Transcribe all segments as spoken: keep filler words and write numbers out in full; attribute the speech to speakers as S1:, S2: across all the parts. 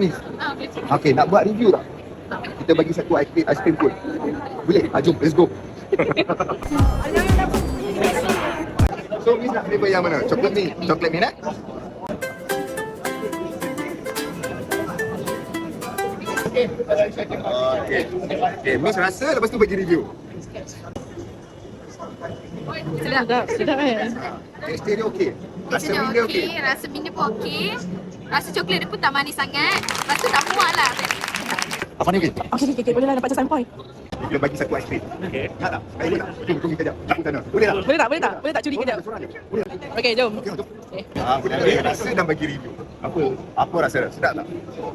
S1: Miss?
S2: Ah, okey.
S1: Okey, nak buat review tak? Kita bagi satu ice cream, ice cream pun. Boleh? Ah, jom, let's go. So, Miss nak flavor yang mana? Coklat ni? Coklat ni nak? Okay. Okay, Miss rasa lepas tu bagi review.
S2: Sedap, sedap eh.
S1: Tekstur dia okey. Rasa
S3: Rasa
S1: minda okey.
S3: okey, rasa minda pun okey. Rasa coklat dia pun tak manis sangat. Lepas tu tak muak lah.
S1: Apa ni okey?
S2: Okey, okey, okey. Boleh lah dapat sampai.
S1: Kita bagi satu ice cream. Okey. Nak tak? Baik tak? Jom, jom kita jap. Aku sana. Boleh tak?
S2: Boleh tak? Boleh tak? Boleh tak curi kejap?
S1: Seorang je. Boleh tak?
S2: Okey, jom.
S1: Okey, jom.
S2: Okay.
S1: Ah, boleh bagi rasa dan bagi review. Apa? Apa rasa? Sedap tak?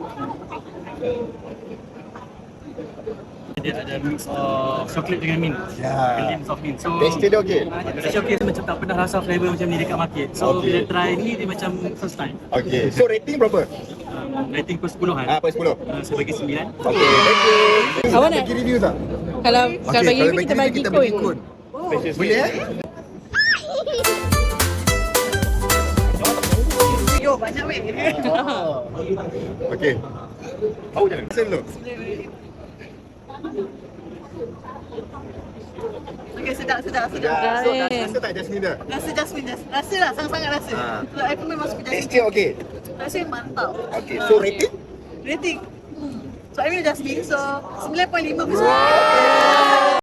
S4: Dia ada mix of coklat dengan mint.
S1: Ya.
S4: Blend of mint. So
S1: Tekstur dia okey.
S4: Rasa okey, macam tak pernah rasa flavour macam ni dekat market. So
S1: Okey.
S4: bila try ni dia macam first time.
S1: Okey. So rating berapa?
S4: Um, rating per sepuluhan.
S1: Ah, per sepuluh.
S4: Uh, saya bagi sembilan.
S1: Okey, thank you.
S2: Awak nak-
S1: bagi review tak?
S2: Kalau
S1: Okey,
S2: kalau bagi review kita bagi
S1: kita bagi
S2: kun.
S1: kun. Boleh eh?
S2: Yo, banyak weh.
S1: Okey. Tahu jangan. Sen dulu.
S5: Okay, sedap, sedap, sedap.
S1: Ya, so dah rasa tak Jasmine dah?
S5: Rasa Jasmine, jas- rasa lah, sangat-sangat rasa.
S1: Ha.
S5: So, I pun memang suka Jasmine.
S1: Tekstur okey.
S5: Rasa yang mantap.
S1: Okey, so rating?
S5: Rating. Hmm. So, I mean Jasmine, so sembilan perpuluhan lima persen.